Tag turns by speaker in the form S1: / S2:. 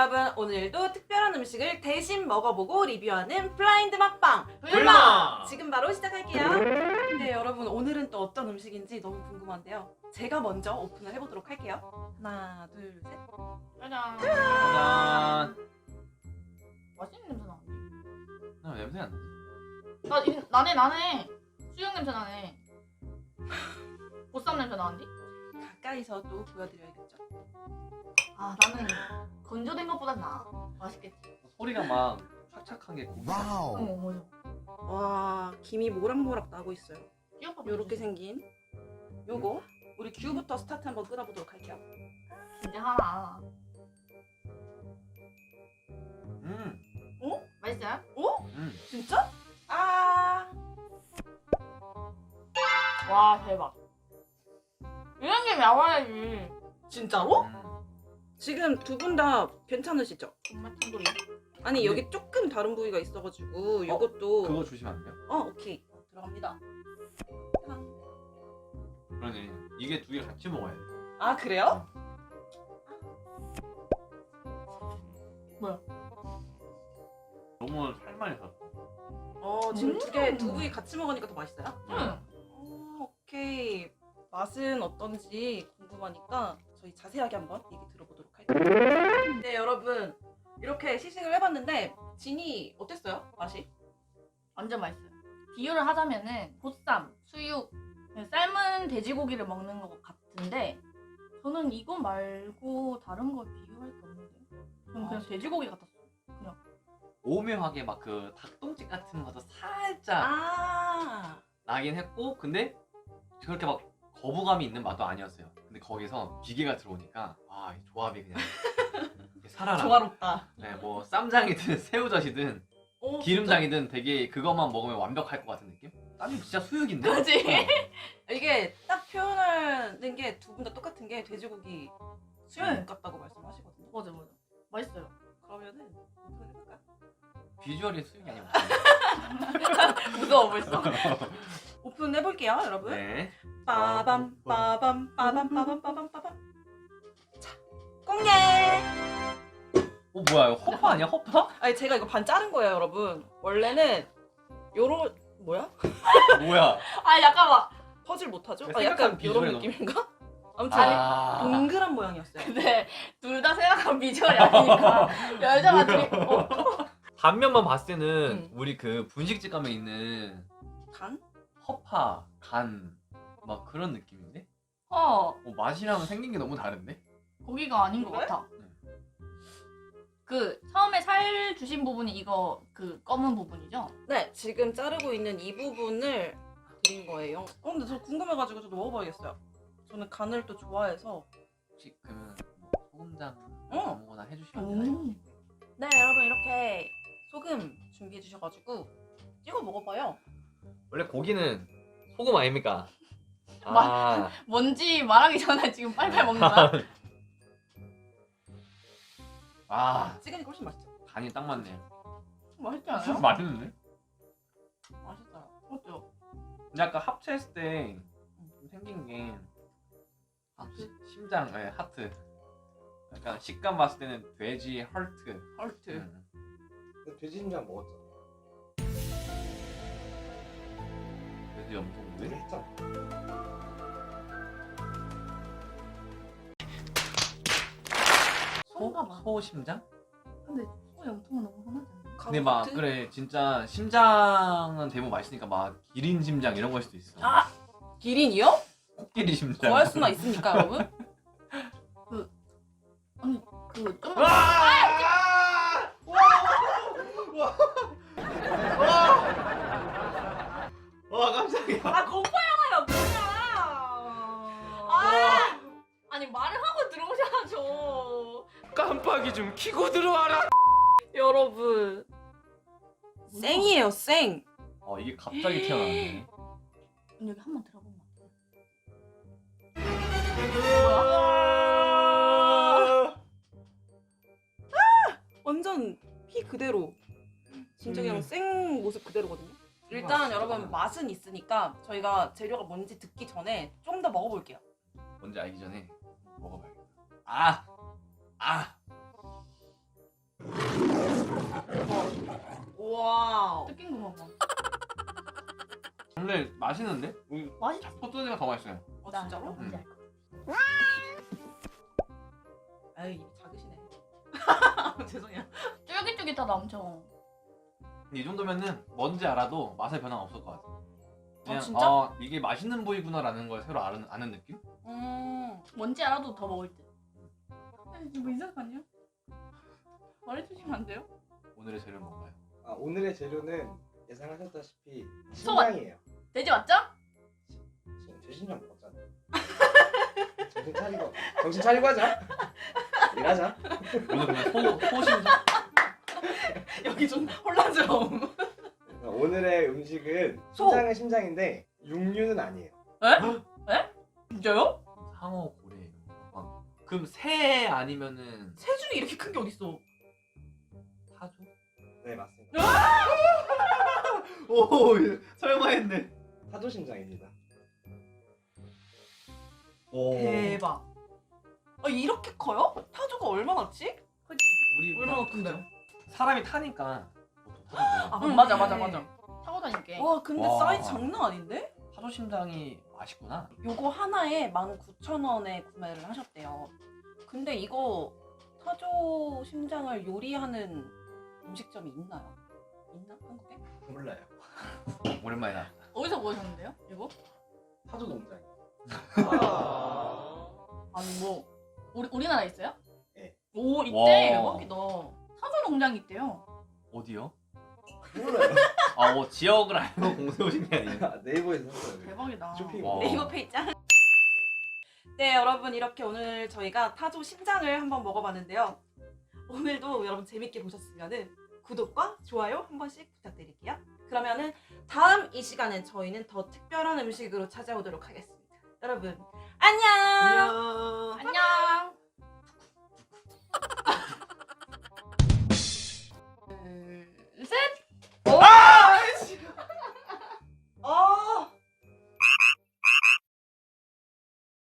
S1: 여러분, 오늘도 특별한 음식을 대신 먹어보고 리뷰하는 블라인드 먹방
S2: 불마!
S1: 지금 바로 시작할게요. 네, 여러분, 오늘은 또 어떤 음식인지 너무 궁금한데요. 제가 먼저 오픈을 해보도록 할게요. 하나, 둘, 셋.
S3: 짜잔.
S2: 짜잔.
S3: 맛있는 냄새 나는데?
S2: 나 냄새 안 나지?
S3: 나네. 수육 냄새 나네. 보쌈 냄새 나는데?
S1: 가까이서 또 보여드려야겠죠.
S3: 아, 나는 건조된 것보단 나아. 맛있겠지.
S2: 소리가 막 착착한 게 고기.
S4: 와우.
S3: 맞아.
S1: 와, 김이 모락모락 나고 있어요.
S3: 끼어봐.
S1: 요렇게 생긴 요거 우리 큐부터 스타트 한번 끊어보도록 할게요.
S3: 이제 하나. 맛있어요?
S1: 진짜? 아,
S3: 와, 대박. 이런 게 나와야지.
S1: 진짜로? 지금 두 분 다 괜찮으시죠?
S3: 정말 탄도리.
S1: 아니,
S2: 근데-
S1: 여기 조금 다른 부위가 있어가지고 요것도
S2: 그거 주시면 안 돼요?
S1: 오케이, 들어갑니다.
S2: 그러네. 이게 두 개 같이 먹어야 돼.
S1: 아, 그래요?
S2: 너무 살만 있었어.
S1: 지금 두 부위 같이 먹으니까 더 맛있어요?
S3: 응.
S1: 오케이. 맛은 어떤지 궁금하니까 저희 자세하게 한번 얘기 들어보도록 할게요. 네, 여러분, 이렇게 시식을 해봤는데 진이 어땠어요? 맛이?
S3: 완전 맛있어요. 비유를 하자면은 보쌈, 수육, 삶은 돼지고기를 먹는 것 같은데 저는 이거 말고 다른 거 비교할 게 없는데 저는 그냥 돼지고기 같았어요.
S2: 오묘하게 막 그 닭똥집 같은 것도 살짝
S1: 아,
S2: 나긴 했고, 근데 그렇게 막 거부감이 있는 맛도 아니었어요. 근데 거기서 비계가 들어오니까 이 조합이 그냥 이게 살아나.
S1: 조화롭다.
S2: 네, 뭐 쌈장이든 새우젓이든
S1: 오,
S2: 기름장이든 되게 그것만 먹으면 완벽할 것 같은 느낌? 땀이 진짜 수육인데?
S3: 그치?
S1: 진짜? 이게 딱 표현하는 게 두 분 다 똑같은 게 돼지고기 수육 같다고 말씀하시거든요.
S3: 맞아. 맛있어요.
S1: 그러면은 오픈해볼까요?
S2: 비주얼이 수육이 아니고.
S3: 무서워 벌써.
S1: 오픈해볼게요, 여러분.
S2: 네.
S1: 빠밤 빠밤 빠밤 빠밤 빠밤 빠밤. 자, 공개.
S2: 뭐야, 이거 허파 아니야? 허파?
S1: 아니, 제가 이거 반 자른 거예요, 여러분. 원래는 요런 뭐야?
S2: 뭐야?
S3: 아 잠깐만.
S1: 퍼즐 못하죠?
S2: 생각한
S1: 약간
S2: 비주얼이
S1: 요런
S2: 너무-
S1: 느낌인가? 아무튼
S2: 아.
S1: 동그란 모양이었어요.
S3: 근데 둘 다 생각한 비주얼이 아니니까 여자가 둘이
S2: 단면만 봤을 때는
S1: 응.
S2: 우리 그 분식집 가면 있는
S1: 간?
S2: 허파, 간, 막 그런 느낌인데? 맛이랑 생긴 게 너무 다른데?
S3: 고기가 아닌 것
S1: 그래?
S3: 같아. 그 처음에 살 주신 부분이 이거 그 검은 부분이죠?
S1: 네, 지금 자르고 있는 이 부분을 드린 거예요. 근데 저 궁금해가지고 저도 먹어봐야겠어요. 저는 간을 또 좋아해서.
S2: 혹시 그러면 소금장
S1: 응.
S2: 아무거나 해주시면 안 되나요?
S1: 네, 여러분, 이렇게 소금 준비해 주셔가지고 찍어 먹어봐요.
S2: 원래 고기는 소금 아닙니까?
S3: 뭔지 말하기 전에 지금 빨리빨리 먹는 거야?
S1: 찍으니까 훨씬 맛있죠?
S2: 간이 딱 맞네.
S3: 맛있지 않아요?
S2: 맛있는데?
S1: 맛있어요.
S3: 맞죠?
S2: 근데 아까 합체했을 때 좀 생긴 게 심장, 네, 하트. 약간 식감 봤을 때는 돼지 헐트.
S1: 헐트.
S4: 돼지 심장 먹었잖아.
S2: 돼지 염통
S4: 우리
S2: 왜?
S4: 했잖아.
S3: 소인가 봐.
S2: 소 심장?
S3: 근데 소 염통은 너무 흔하지 않나?
S2: 근데 막 그래 진짜 심장은 대부분 맛있으니까 막 기린 심장 이런 걸 수도 있어.
S1: 아, 기린이요?
S2: 코끼리 심장.
S1: 구할 수나 있습니까, 여러분?
S3: 아니 좀
S2: 와 깜짝이야.
S3: 공포 영화야 뭐야? 아니 말을 하고 들어오셔야죠.
S2: 깜빡이 좀 켜고 들어와라.
S1: 여러분, 생이에요, 생.
S2: 이게 갑자기 튀어나왔네.
S3: 여기 한번 들어보면
S1: 완전 피 그대로. 진짜 그냥 생 모습 그대로거든요. 일단 여러분, 맛은 있으니까 저희가 재료가 뭔지 듣기 전에 좀 더 먹어볼게요.
S2: 뭔지 알기 전에 먹어봐야겠다. 아 맛있는데?
S3: 맛있.
S2: 포도새가 더 맛있어요.
S1: 어 진짜로?
S3: 뭔지 알 것 같아.
S1: 아유 입이 작으시네. 죄송해요.
S3: 쫄깃쫄깃하다 엄청.
S2: 근데 이 정도면은 뭔지 알아도 맛의 변화가 없을 것 같아. 그냥
S1: 진짜?
S2: 이게 맛있는 부위구나라는 걸 새로 아는 느낌?
S3: 뭔지 알아도 더 먹을 듯. 뭐 이상하냐? 말해주시면 안 돼요?
S2: 오늘의 재료 뭔가요?
S4: 아, 오늘의 재료는 예상하셨다시피
S3: 소금.
S4: 심장이에요.
S3: 돼지 맞죠?
S4: 지금 돼지인장 먹었잖아요. 정신 차리고 하자. 일하자.
S2: 오늘 그러면 소심장?
S1: 여기 좀 혼란스러움.
S4: 오늘의 음식은
S1: 소.
S4: 심장은 심장인데 육류는 아니에요.
S3: 진짜요?
S2: 상어, 고래 이런 거. 그럼 새 아니면은
S1: 새 중에 이렇게 큰 게 어딨어?
S2: 타조?
S4: 네, 맞습니다.
S2: 오 설마 했네.
S4: 타조 심장입니다.
S2: 오.
S1: 대박. 이렇게 커요? 타조가 얼마나지?
S2: 우리
S1: 얼마나 큰데요?
S2: 사람이 타니까 보통 타조.
S3: 맞아 타고 다닐게.
S1: 와 근데
S2: 와.
S1: 사이즈 장난 아닌데?
S2: 타조 심장이 맛있구나.
S1: 요거 하나에 19,000원에 구매를 하셨대요. 근데 이거 타조 심장을 요리하는 음식점이 있나요? 있나? 한국에?
S4: 몰라요.
S2: 오랜만이다.
S3: 어디서 보셨는데요? 이거?
S4: 타조 농장.
S3: 아니 뭐 우리나라에 있어요?
S4: 네.
S3: 오 있대.
S2: 와.
S3: 대박이다. 사조 농장이 있대요.
S2: 어디요?
S4: 몰라요.
S2: 지역을 알고 공세 오신 게 아니에요?
S4: 네이버에서 샀어요.
S3: 대박이다.
S4: 쇼핑.
S2: 와.
S1: 네이버 페이지 짱. 네 여러분 이렇게 오늘 저희가 타조 심장을 한번 먹어봤는데요. 오늘도 여러분 재밌게 보셨으면 구독과 좋아요 한 번씩 부탁드릴게요. 그러면은 다음 이 시간엔 저희는 더 특별한 음식으로 찾아오도록 하겠습니다. 여러분 안녕.
S2: 안녕.
S3: 안녕.